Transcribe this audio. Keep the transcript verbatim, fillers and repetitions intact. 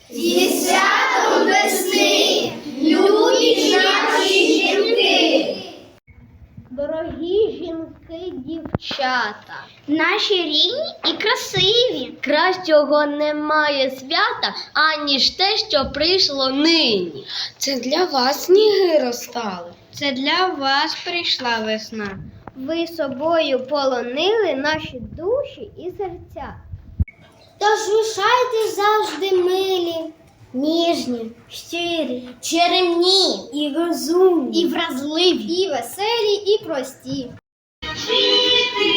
Зі святом весни, любі наші жінки! Дорогі жінки, дівчата, Наші рідні і красиві. кращого немає свята, аніж те, що прийшло нині. Це для вас сніги розтали. Це для вас прийшла весна. Ви собою полонили наші душі і серця. Тож рушайте завжди милі, Ніжні, щирі, черемні, і розумні, і вразливі, і веселі, і прості. Квіти